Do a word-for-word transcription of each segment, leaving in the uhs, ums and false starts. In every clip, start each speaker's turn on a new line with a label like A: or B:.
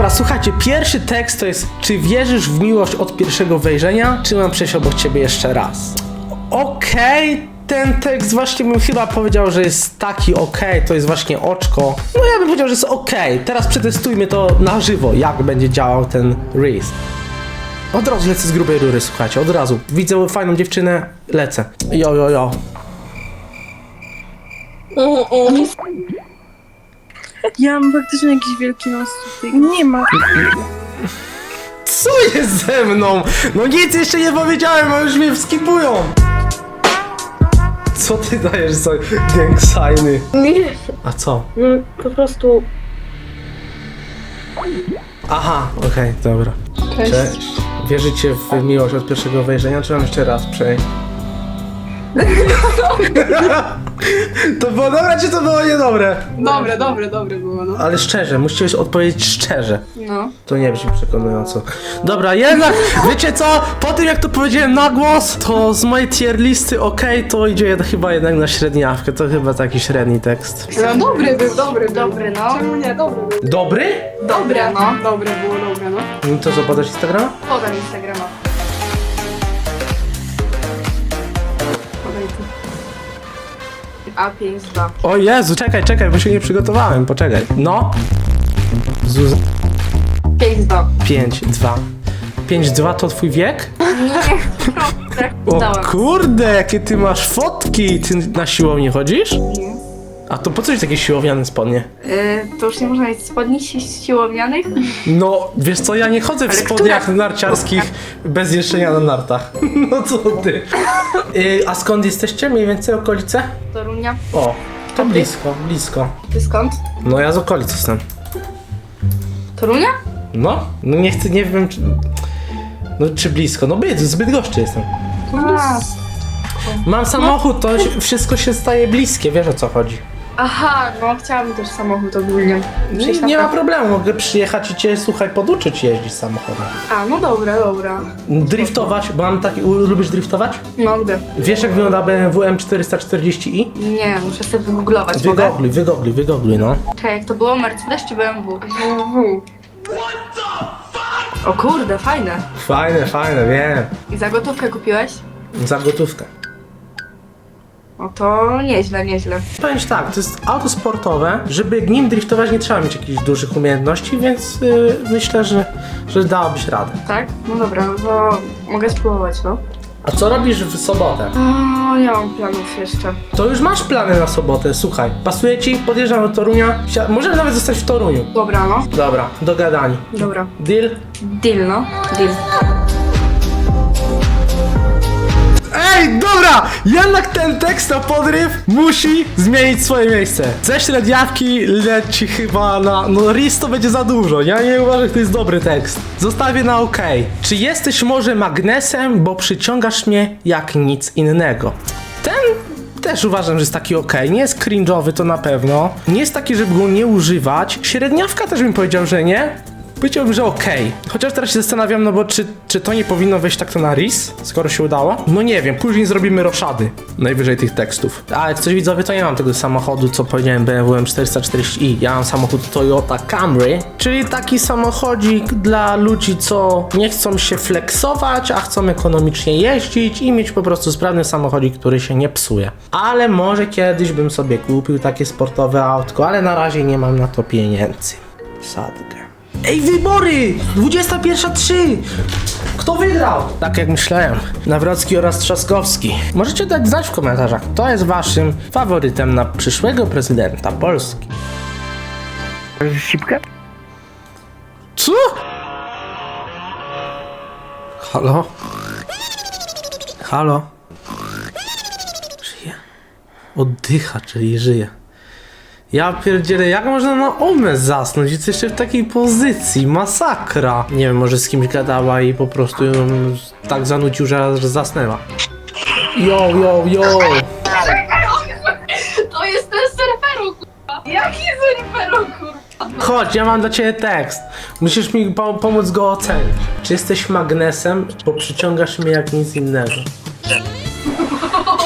A: Dobra, słuchajcie, pierwszy tekst to jest: czy wierzysz w miłość od pierwszego wejrzenia, czy mam przejść obok ciebie jeszcze raz? Okej, okay, ten tekst właśnie bym chyba powiedział, że jest taki okej, okay, to jest właśnie oczko. No ja bym powiedział, że jest okej. Okay. Teraz przetestujmy to na żywo, jak będzie działał ten Reese. Od razu lecę z grubej rury, słuchajcie, od razu. Widzę fajną dziewczynę, lecę. Jo, jo, jo.
B: Ja mam faktycznie jakiś wielki nos tutaj. Nie ma.
A: Co jest ze mną? No nic jeszcze nie powiedziałem, a już mnie wskipują. Co ty dajesz za gang signy?
B: Nie.
A: A co?
B: No, po prostu...
A: Aha, okej, okay, dobra.
B: Cześć.
A: Cześć. Wierzycie w miłość od pierwszego wejrzenia, czy mam jeszcze raz przejść? To było dobre, czy to było niedobre?
B: Dobre, dobre, dobre było, no.
A: Ale szczerze, musicie odpowiedzieć szczerze.
B: No.
A: To nie brzmi przekonująco. Dobra, jednak, wiecie co? Po tym jak to powiedziałem na głos, to z mojej tier listy okej, okay, to idzie jed- chyba jednak na średniawkę. To chyba taki średni tekst.
B: No dobry był, dobry, dobry, no. Czemu nie, dobry był.
A: Dobry?
B: Dobre, no. Dobre było, dobre, no.
A: No to co, podasz Instagrama?
B: Podam Instagrama. Podaj tu. A pięć dwa.
A: O Jezu, czekaj, czekaj, bo się nie przygotowałem, poczekaj. No. Zuz...
B: pięć dwa.
A: pięć dwa. pięć dwa to twój wiek?
B: Nie, tak
A: O
B: dałem.
A: kurde, jakie ty masz fotki! Ty na siłownię chodzisz?
B: Nie.
A: A to po co jest takie siłowiane spodnie?
B: Yy, to już nie można mieć spodni si- siłowianych?
A: No, wiesz co, ja nie chodzę w
B: Ale
A: spodniach
B: które?
A: narciarskich bez jeszczenia na nartach. No co ty? Yy, a skąd jesteście? Mniej więcej okolice?
B: Torunia.
A: O, to blisko, blisko.
B: Ty skąd?
A: No ja z okolic jestem.
B: Torunia?
A: No, no nie chcę, nie wiem czy... No czy blisko, no byt, z Bydgoszczy jestem.
B: A,
A: Mam samochód, to się- wszystko się staje bliskie, wiesz o co chodzi.
B: aha, no chciałabym też samochód ogólnie.
A: Nie,
B: Przejść na
A: nie ma
B: prawo.
A: problemu, mogę przyjechać i cię, słuchaj, poduczyć jeździć samochodem.
B: A, no dobra, dobra.
A: Driftować, bo mam taki... u- Lubisz driftować?
B: No, lubię.
A: Wiesz jak wygląda B M W M czterysta czterdzieści i?
B: Nie, muszę sobie wygooglować, mogę?
A: Wygogluj, wygogluj, wygogluj, no.
B: Czekaj, jak to było? Mercedes czy B M W? B M W. O kurde, fajne.
A: Fajne, fajne, wiem.
B: I za gotówkę kupiłeś?
A: Za gotówkę.
B: No to nieźle, nieźle.
A: Powiem ci tak, to jest auto sportowe, żeby nim driftować nie trzeba mieć jakichś dużych umiejętności, więc yy, myślę, że, że dałabyś radę.
B: Tak? No dobra, no to mogę spróbować, no.
A: A co robisz w sobotę?
B: O, nie mam planów jeszcze.
A: To już masz plany na sobotę, słuchaj. Pasuje ci? Podjeżdżam do Torunia. Sia- Możemy nawet zostać w Toruniu.
B: Dobra, no.
A: Dobra, dogadani.
B: Dobra.
A: Deal?
B: Deal, no. Deal.
A: Ej, dobra! Jednak ten tekst na podryw musi zmienić swoje miejsce. Ze średniawki leci chyba na... No Riz to będzie za dużo. Ja nie uważam, że to jest dobry tekst. Zostawię na OK. Czy jesteś może magnesem, bo przyciągasz mnie jak nic innego? Ten też uważam, że jest taki OK. Nie jest cringe'owy, to na pewno. Nie jest taki, żeby go nie używać. Średniawka też bym powiedział, że nie. Powiedziałbym, że okej. Okay. Chociaż teraz się zastanawiam, no bo czy, czy to nie powinno wejść tak to na Riz, skoro się udało? No nie wiem, później zrobimy roszady najwyżej tych tekstów. A jak coś widzowie, to nie mam tego samochodu, co powiedziałem, B M W M czterysta czterdzieści i. Ja mam samochód Toyota Camry, czyli taki samochodzik dla ludzi, co nie chcą się flexować, a chcą ekonomicznie jeździć i mieć po prostu sprawny samochodzik, który się nie psuje. Ale może kiedyś bym sobie kupił takie sportowe autko, ale na razie nie mam na to pieniędzy. Sadkę. Ej, wybory! dwudziesta pierwsza trzy! Kto wygrał? Tak jak myślałem. Nawrocki oraz Trzaskowski. Możecie dać znać w komentarzach, kto jest waszym faworytem na przyszłego prezydenta Polski.
C: Sipkę?
A: Co? Halo? Halo? Żyje? Oddycha, czyli żyje. Ja pierdzielę, jak można na omę zasnąć? Jest jeszcze w takiej pozycji, masakra. Nie wiem, może z kimś gadała i po prostu ją tak zanudził, że że zasnęła. Yo, yo, yo.
B: To jest ten surferu, kurwa. Jaki surferu, kurwa?
A: Chodź, ja mam dla ciebie tekst. Musisz mi po pomóc go ocenić. Czy jesteś magnesem, bo przyciągasz mnie jak nic innego?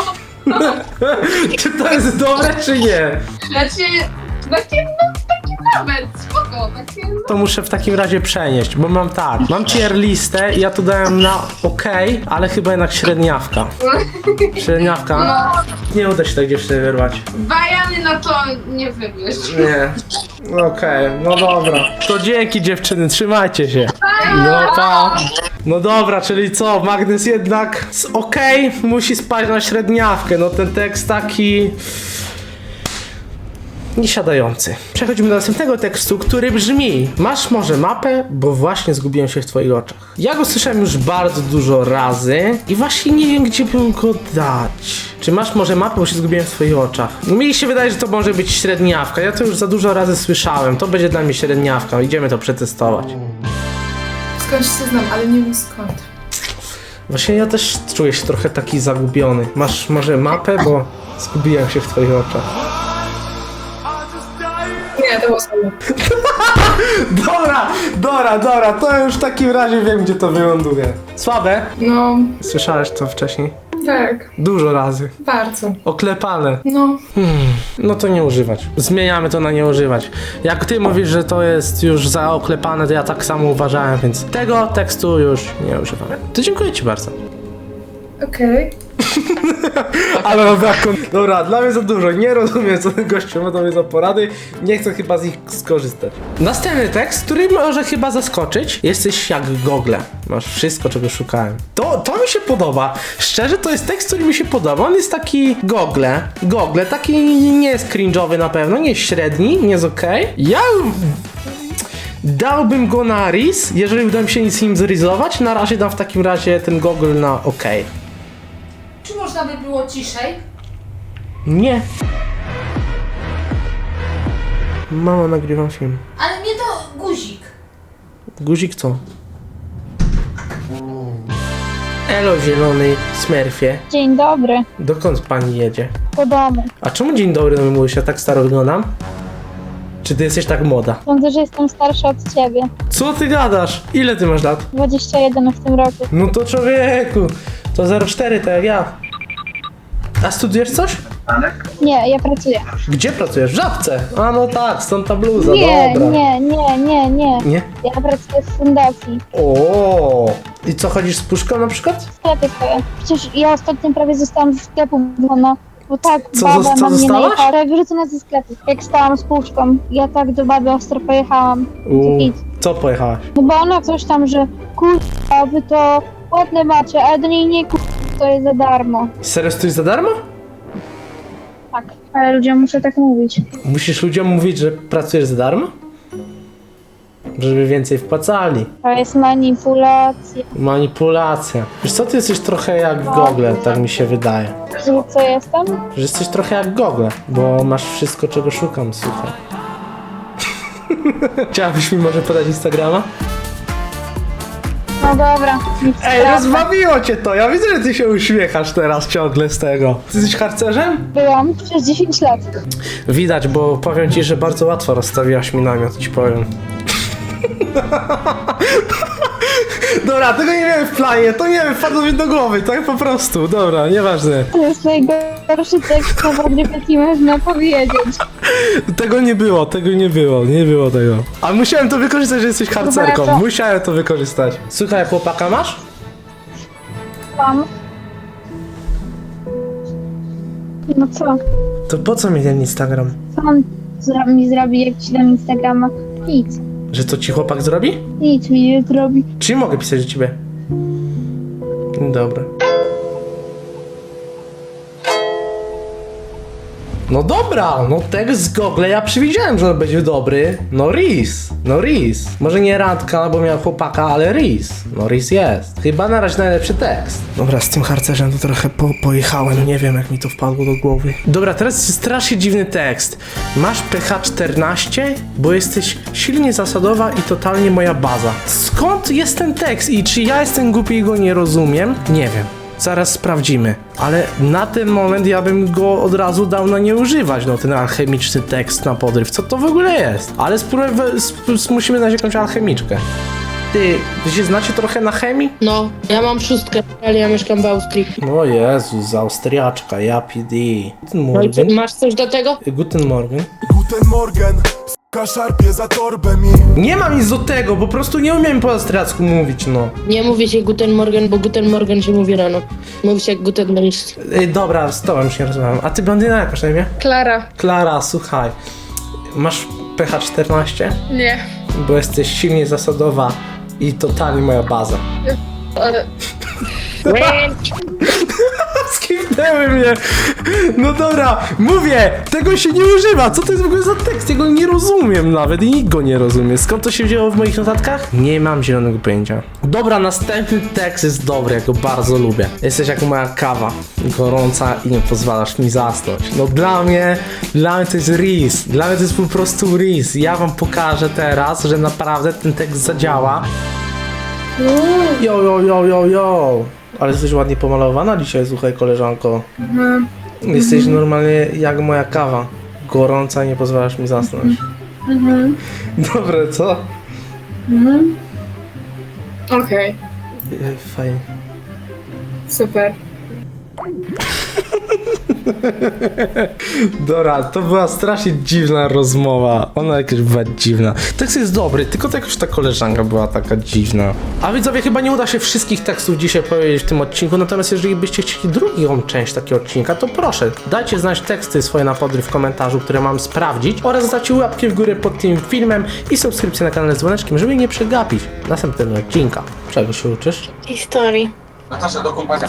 A: Czy to jest dobre, czy nie?
B: Znaczy, takie, no, takie Nawet, spoko, takie...
A: To muszę w takim razie przenieść, bo mam tak, mam tier listę i ja tu dałem na OK, ale chyba jednak średniawka. Średniawka.
B: No,
A: Nie uda się tak dziewczyny wyrwać.
B: bajany na to nie wybierz.
A: Nie. Okej, no dobra. To dzięki dziewczyny, trzymajcie się. No pa. No dobra, czyli co? Magnes jednak z OK musi spać na średniawkę. No ten tekst taki... niesiadający. Przechodzimy do następnego tekstu, który brzmi: masz może mapę, bo właśnie zgubiłem się w twoich oczach. Ja go słyszałem już bardzo dużo razy i właśnie nie wiem, gdzie bym go dać. Czy masz może mapę, bo się zgubiłem w twoich oczach? Mi się wydaje, że to może być średniawka. Ja to już za dużo razy słyszałem. To będzie dla mnie średniawka. Idziemy to przetestować.
C: Skądś się znam, ale nie wiem skąd.
A: Właśnie ja też czuję się trochę taki zagubiony. Masz może mapę, bo zgubiłem się w twoich oczach.
C: Nie, to było słabe.
A: Dobra, dobra, dobra, to już w takim razie wiem, gdzie to wyląduje. Słabe?
C: No,
A: Słyszałeś to wcześniej?
C: tak,
A: Dużo razy.
C: bardzo.
A: Oklepane.
C: No,
A: Hmm, no to nie używać. Zmieniamy to na nie używać. Jak ty mówisz, że to jest już za oklepane, to ja tak samo uważałem, więc tego tekstu już nie używam. To dziękuję ci bardzo.
C: okej.
A: Ale no tak, dobra, dla mnie za dużo. Nie rozumiem, co ten gościu ma do mnie za porady. Nie chcę chyba z nich skorzystać. Następny tekst, który może chyba zaskoczyć. Jesteś jak Google. Masz wszystko, czego szukałem. To, to mi się podoba. Szczerze, to jest tekst, który mi się podoba. On jest taki Google. Google, taki nie jest cringe'owy na pewno, nie jest średni, nie jest okej. Ja... dałbym go na Riz, jeżeli uda mi się z nim zrizować. Na razie dam w takim razie ten Google na OK.
D: Czy można by było ciszej?
A: Nie. Mama, nagrywam film.
D: Ale nie to guzik.
A: Guzik co? Elo, zielony smerfie.
E: Dzień dobry,
A: Dokąd pani jedzie?
E: po domu.
A: A czemu dzień dobry do mnie mówisz? Ja tak staro wyglądam? Czy ty jesteś tak młoda?
E: Sądzę, że jestem starsza od ciebie.
A: Co ty gadasz? Ile ty masz lat?
E: dwadzieścia jeden w tym roku.
A: No to człowieku, to zero cztery, tak jak ja. A studujesz coś?
E: Nie, ja pracuję.
A: Gdzie pracujesz? W Żabce. A no tak, stąd ta bluza,
E: Nie,
A: dobra.
E: nie, nie, nie, nie.
A: Nie?
E: Ja pracuję w fundacji.
A: O. I co, chodzisz z puszką na przykład?
E: W sklepie stoję. Przecież ja ostatnio prawie zostałam ze sklepu wyrzucona. Bo tak,
A: Co,
E: baba
A: zos- co
E: na mnie
A: zostałaś?
E: najechała. Prawie wyrzucona ze sklepu. Jak stałam z puszką. Ja tak do baby ostro pojechałam.
A: U.
E: Nic.
A: Co pojechałaś?
E: No bo ona coś tam, że kurwa, wy to ładne macie, ale do niej nie kurwa, to jest za darmo.
A: Serio stoisz za darmo?
E: Tak, ale ludziom muszę tak mówić.
A: Musisz ludziom mówić, że pracujesz za darmo? Żeby więcej wpłacali.
E: To jest manipulacja.
A: Manipulacja. Wiesz co, ty jesteś trochę jak Google, tak mi się wydaje.
E: Że co jestem?
A: Że jesteś trochę jak Google, bo masz wszystko, czego szukam, słuchaj. Chciałabyś mi może podać Instagrama?
E: No dobra, nic
A: Ej,
E: sprawdzę.
A: rozbawiło cię to! Ja widzę, że ty się uśmiechasz teraz ciągle z tego. Ty jesteś harcerzem?
E: Byłam przez dziesięć lat.
A: Widać, bo powiem ci, że bardzo łatwo rozstawiłaś mi namiot, ci powiem. Dobra, tego nie miałem w planie, to nie wiem, wpadło mi do głowy, tak po prostu, dobra, nieważne.
E: To jest najgorszy tekst na wodry, jaki można powiedzieć.
A: Tego nie było, tego nie było, nie było tego. A musiałem to wykorzystać, że jesteś harcerką,
E: Dobra, to-
A: musiałem to wykorzystać. Słuchaj, chłopaka masz?
E: Mam. No co?
A: To po co mi ten Instagram?
E: Co on zro- mi zrobi, jak ci dam Instagrama? Nic.
A: Że to ci chłopak zrobi?
E: Nic mi nie zrobi.
A: Czy mogę pisać do ciebie? Dobra. No dobra, no tekst z Google ja przewidziałem, że on będzie dobry. No Riz, no Riz. Może nie randka, bo miał chłopaka, ale Riz. No Riz jest. Chyba na razie najlepszy tekst. Dobra, z tym harcerzem to trochę po pojechałem, nie wiem jak mi to wpadło do głowy. Dobra, teraz jest strasznie dziwny tekst. Masz P H czternaście, bo jesteś silnie zasadowa i totalnie moja baza. Skąd jest ten tekst i czy ja jestem głupi i go nie rozumiem? Nie wiem. Zaraz sprawdzimy. Ale na ten moment ja bym go od razu dał na nie używać, no ten alchemiczny tekst na podryw. Co to w ogóle jest? Ale spróbujmy, sp- sp- musimy znaleźć jakąś alchemiczkę. Ty, wy się znacie trochę na chemii?
F: No, ja mam szóstkę, ale ja mieszkam w Austrii.
A: O Jezus, z Austriaczka, ja P D. Guten
F: No i co,
A: Morgen.
F: masz coś do tego?
A: Guten Morgen.
G: Guten Morgen, Szarpie za torbę mi.
A: Nie mam nic do tego, po prostu nie umiem po austriacku mówić, no.
F: Nie mówi się Guten Morgen, bo Guten Morgen się mówi rano. Mówi się jak Guten Morgen.
A: Ej, dobra, z tobą już nie rozmawiam. A ty blondyna jak masz na imię?
B: Klara.
A: Klara, słuchaj. Masz P H czternaście?
B: Nie.
A: Bo jesteś silnie zasadowa i totalnie moja baza.
B: Ale...
A: Skipnęły mnie! No dobra, mówię! Tego się nie używa! Co to jest w ogóle za tekst? Ja go nie rozumiem nawet i nikt go nie rozumie. Skąd to się wzięło w moich notatkach? Nie mam zielonego pojęcia. Dobra, następny tekst jest dobry, ja go bardzo lubię. Jesteś jak moja kawa, gorąca i nie pozwalasz mi zasnąć. No dla mnie, dla mnie to jest ris. Dla mnie to jest po prostu ris. Ja wam pokażę teraz, że naprawdę ten tekst zadziała. Jo, jo, jo, jo, jo. Ale jesteś ładnie pomalowana dzisiaj, słuchaj, koleżanko.
C: Mhm.
A: Jesteś normalnie jak moja kawa. Gorąca i nie pozwalasz mi zasnąć.
C: Mhm.
A: Dobre, co?
C: Mhm. Okej,
A: Ej, fajnie.
C: super.
A: Dobra, to była strasznie dziwna rozmowa. Ona jakaś była dziwna. Tekst jest dobry, tylko to jakoś ta koleżanka była taka dziwna. A widzowie, chyba nie uda się wszystkich tekstów dzisiaj powiedzieć w tym odcinku, natomiast jeżeli byście chcieli drugą część takiego odcinka, to proszę, dajcie znać teksty swoje na podry w komentarzu, które mam sprawdzić, oraz dajcie łapki w górę pod tym filmem i subskrypcję na kanale z dzwoneczkiem, żeby nie przegapić następnego odcinka. Czego się uczysz?
D: Historii.
H: Natasza, do kąpania.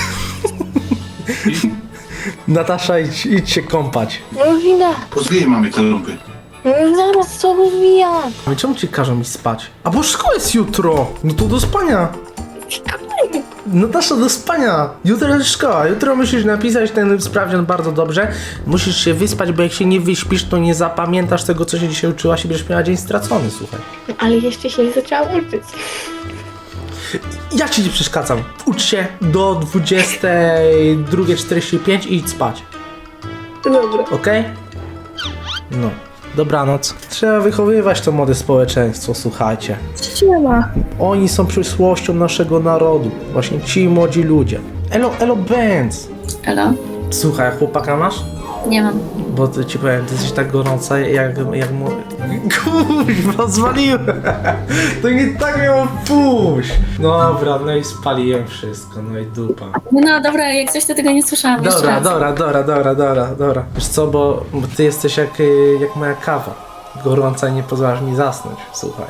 A: Natasza, idź, idź się kąpać.
D: Już idę.
H: Pozwijaj mamy te lumpy.
D: Już zaraz co wywijam.
A: A czemu ci każą mi spać? A bo szkoła jest jutro! No to do spania! Natasza, do spania! Jutro jest szkoła, jutro musisz napisać ten sprawdzian bardzo dobrze. Musisz się wyspać, bo jak się nie wyśpisz, to nie zapamiętasz tego, co się dzisiaj uczyłaś i będziesz miała dzień stracony, słuchaj.
D: Ale jeszcze się nie zaczęłam uczyć.
A: Ja ci nie przeszkadzam. Ucz się do dwudziestej drugiej czterdzieści pięć i idź spać.
D: Dobra.
A: Okej? No. Dobranoc. Trzeba wychowywać to młode społeczeństwo, słuchajcie.
C: Siema.
A: Oni są przyszłością naszego narodu. Właśnie ci młodzi ludzie. Elo, elo, Benz.
I: Elo?
A: Słuchaj, a chłopaka masz?
I: Nie mam.
A: Bo to ci powiem, ty jesteś tak gorąca, jak, jak mu... Kurwa, zwaliłem! To nie tak miało pójść! Dobra, no i spaliłem wszystko, no i dupa.
I: No dobra, jak coś to tego nie słyszałam jeszcze
A: Dobra,
I: raz.
A: dobra, dobra, dobra, dobra, dobra. Wiesz co, bo, bo ty jesteś jak, y, jak moja kawa. Gorąca i nie pozwalasz mi zasnąć, słuchaj.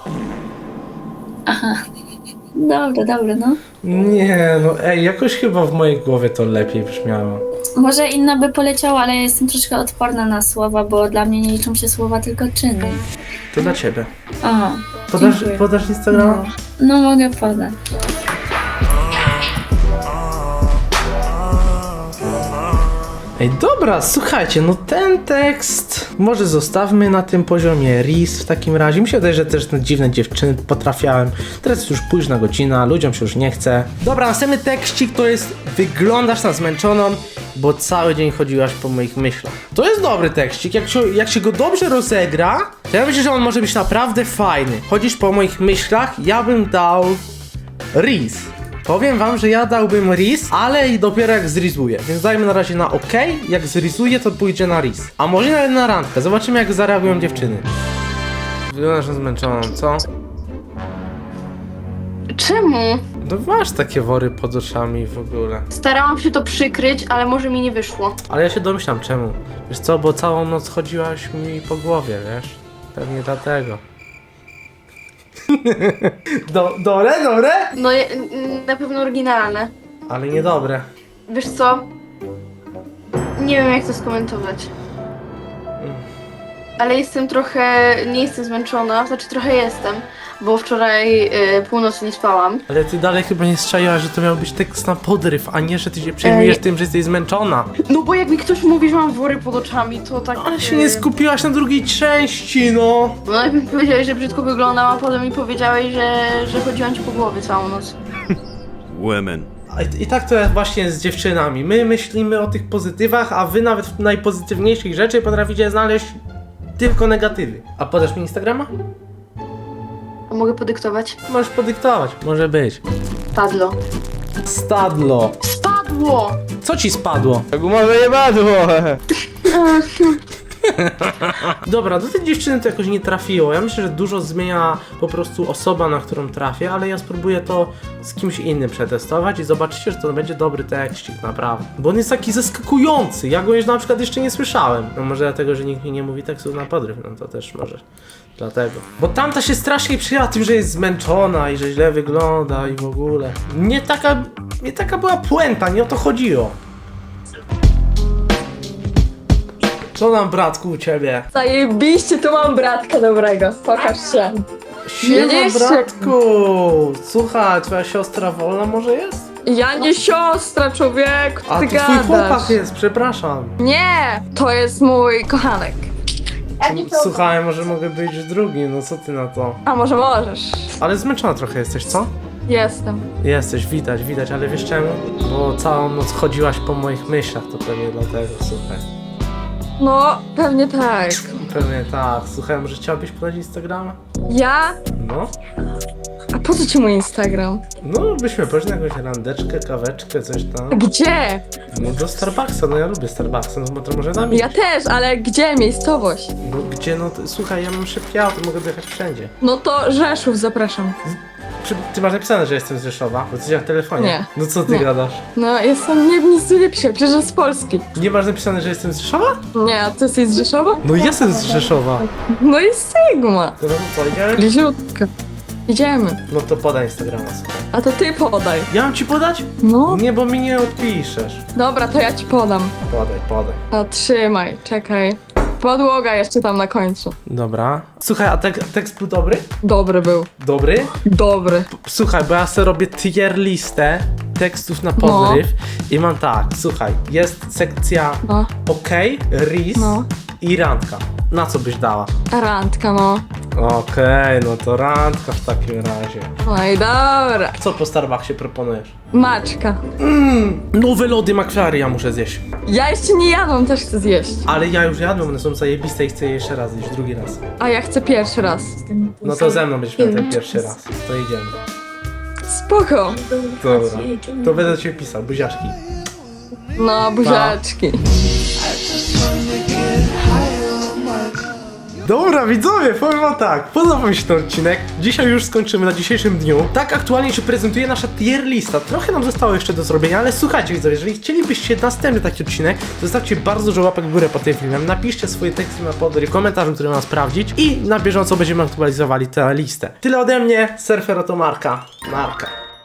I: Aha. Dobra, dobra, no.
A: Nie, no ej, jakoś chyba w mojej głowie to lepiej brzmiało.
I: Może inna by poleciała, ale ja jestem troszkę odporna na słowa, bo dla mnie nie liczą się słowa, tylko czyny.
A: To dla ciebie.
I: O,
A: Podasz,
I: dziękuję.
A: podasz Instagrama?
I: No, no mogę podać.
A: Ej, dobra, słuchajcie, no ten tekst może zostawmy na tym poziomie ris w takim razie. Mi się wydaje, że też te dziwne dziewczyny potrafiałem. Teraz jest już późna godzina, ludziom się już nie chce. Dobra, następny tekstik to jest wyglądasz na zmęczoną, bo cały dzień chodziłaś po moich myślach. To jest dobry tekstik, jak się, jak się go dobrze rozegra, to ja myślę, że on może być naprawdę fajny. Chodzisz po moich myślach, ja bym dał ris. Powiem wam, że ja dałbym ris, ale i dopiero jak zrizuję. Więc dajmy na razie na OK. Jak zrizuję, to pójdzie na ris. A może nawet na randkę. Zobaczymy, jak zareagują dziewczyny. Wyglądasz na zmęczoną, co?
B: Czemu?
A: No masz takie wory pod oczami w ogóle.
B: Starałam się to przykryć, ale może mi nie wyszło.
A: Ale ja się domyślam czemu. Wiesz co, bo całą noc chodziłaś mi po głowie, wiesz? Pewnie dlatego. Do, dobre, dobre?
B: No je- n- na pewno oryginalne.
A: Ale niedobre.
B: Wiesz co? Nie wiem jak to skomentować. Ale jestem trochę, nie jestem zmęczona, znaczy trochę jestem, bo wczoraj y, północy nie spałam.
A: Ale ty dalej chyba nie strzaiłaś, że to miał być tekst na podryw, a nie, że ty się przejmujesz
B: Ej.
A: tym, że jesteś zmęczona.
B: No bo jak mi ktoś mówi, że mam wory pod oczami, to tak...
A: Ale się
B: y,
A: nie skupiłaś na drugiej części, no.
B: No najpierw powiedziałeś, że brzydko wyglądam, a potem mi powiedziałeś, że, że chodziłam ci po głowie całą noc.
G: Women.
A: A I, I tak to jest właśnie z dziewczynami. My myślimy o tych pozytywach, a wy nawet w najpozytywniejszych rzeczy potraficie znaleźć tylko negatywy. A podasz mi Instagrama?
B: A mogę podyktować?
A: Możesz podyktować, może być.
B: Padlo.
A: Stadlo.
B: Spadło!
A: Co ci spadło?
J: Gumowe jebadło!
A: Dobra, do tej dziewczyny to jakoś nie trafiło. Ja myślę, że dużo zmienia po prostu osoba, na którą trafię, ale ja spróbuję to z kimś innym przetestować i zobaczycie, że to będzie dobry tekścik, naprawdę. Bo on jest taki zaskakujący. Ja go już na przykład jeszcze nie słyszałem. No może dlatego, że nikt mi nie mówi tekstów na podryw, no to też może dlatego. Bo tamta się strasznie przyjęła tym, że jest zmęczona i że źle wygląda i w ogóle. Nie taka, nie taka była puenta, nie o to chodziło. Co nam, bratku, u ciebie?
J: Zajebiście, tu mam bratka dobrego. Pokaż się.
A: Siema,
J: Widzisz?
A: bratku! Słuchaj, twoja siostra wolna może jest?
J: Ja nie siostra, człowieku,
A: A
J: ty
A: to twój
J: gadasz.
A: chłopak jest, przepraszam.
J: Nie, to jest mój kochanek.
A: Słuchaj, może mogę być drugi, no co ty na to?
J: A może możesz?
A: Ale zmęczona trochę jesteś, co?
J: Jestem.
A: Jesteś, widać, widać, ale wiesz czemu? Bo całą noc chodziłaś po moich myślach, to pewnie dlatego, słuchaj.
J: No, pewnie tak.
A: Pewnie tak. Słuchaj, może chciałabyś podać Instagrama?
J: Ja?
A: No.
J: A po co ci mój Instagram?
A: No, byśmy poszli na jakąś randeczkę, kaweczkę, coś tam.
J: Gdzie?
A: No do Starbucksa, no ja lubię Starbucksa, no bo to może nami.
J: Ja też, ale gdzie? Miejscowość?
A: No gdzie, no to, słuchaj, ja mam szybkie auto, mogę dojechać wszędzie.
J: No to Rzeszów, zapraszam.
A: Czy ty masz napisane, że jestem z Rzeszowa? Bo coś w telefonie.
J: Nie.
A: No co ty
J: Nie.
A: gadasz?
J: No, jestem, nie, nic tu nie piszę, przecież z Polski.
A: Nie masz napisane, że jestem z Rzeszowa?
J: Nie, a ty jesteś z Rzeszowa?
A: No jestem z Rzeszowa.
J: No i Sigma.
A: To no co, idziemy?
J: Bliziutko. Idziemy.
A: No to podaj Instagrama, słuchaj.
J: A to ty podaj.
A: Ja mam ci podać?
J: No.
A: Nie, bo mi nie odpiszesz.
J: Dobra, to ja ci podam.
A: Podaj, podaj.
J: A trzymaj, czekaj. Podłoga jeszcze tam na końcu.
A: Dobra. Słuchaj, a tek tekst był dobry?
J: Dobry był.
A: Dobry?
J: Dobry.
A: Słuchaj, bo ja sobie robię tier listę tekstów na podryw i mam tak, słuchaj, jest sekcja
J: No.
A: OK, ris
J: No.
A: i randka. Na co byś dała?
J: Randka, no.
A: Okej, no to randka w takim razie.
J: No i dobra.
A: Co po Starbucksie proponujesz?
J: Maczka.
A: Mmm, nowe lody McFlurry ja muszę zjeść.
J: Ja jeszcze nie jadłam, też chcę zjeść.
A: Ale ja już jadłem, one są zajebiste i chcę je jeszcze raz zjeść, drugi raz.
J: A ja chcę pierwszy raz.
A: No to ze mną będziesz miał ten pierwszy raz. To idziemy.
J: Spoko.
A: Dobra. To będę cię pisał, buziaczki.
J: No, buziaczki.
A: Dobra, widzowie, powiem wam tak, podobał mi się ten odcinek. Dzisiaj już skończymy na dzisiejszym dniu. Tak aktualnie się prezentuje nasza tier lista. Trochę nam zostało jeszcze do zrobienia, ale słuchajcie widzowie, jeżeli chcielibyście następny taki odcinek, to zostawcie bardzo dużo łapek w górę pod tym filmem. Napiszcie swoje teksty na podry w komentarzu, który ma sprawdzić i na bieżąco będziemy aktualizowali tę listę. Tyle ode mnie, Surfer to Marka. Marka.